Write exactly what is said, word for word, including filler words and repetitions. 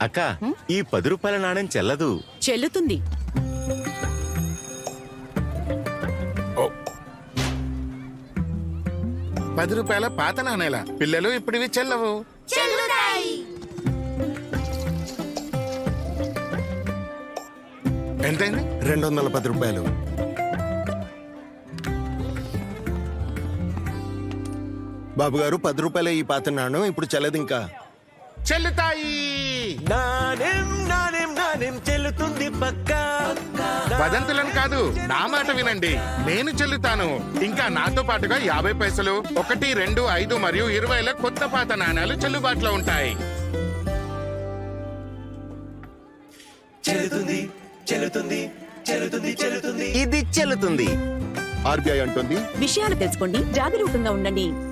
అక్క ఈ పది రూపాయల నాణ్యం చెల్లదు. చెల్లుతుంది. పది రూపాయల పాత నాణేల పిల్లలు ఇప్పుడు ఇవి చెల్లవు. ఎంతైంది? రెండు వందల పది రూపాయలు. బాబు గారు, పది రూపాయల ఈ పాత నాణ్యం ఇప్పుడు చెల్లదు. ఇంకా చెల్లుతాయి. నాణ్యం నాణ్యం నాణ్యం చెల్లుతుంది పక్క. వదంతులను కాదు, నా మాట వినండి. నేను చెల్లుతాను. ఇంకా నాతో పాటుగా యాభై పైసలు, ఒకటి, రెండు, ఐదు మరియు ఇరవైల కొత్త పాత నాణ్యాలు చెల్లుబాటులో ఉంటాయి. చెల్లుతుంది చెల్లుతుంది చెల్లుతుంది చెల్లుతుంది ఇది చెల్లుతుంది. ఆర్బీఐ అంటుంది, విషయాలు తెలుసుకోండి, జాగరూకంగా ఉండండి.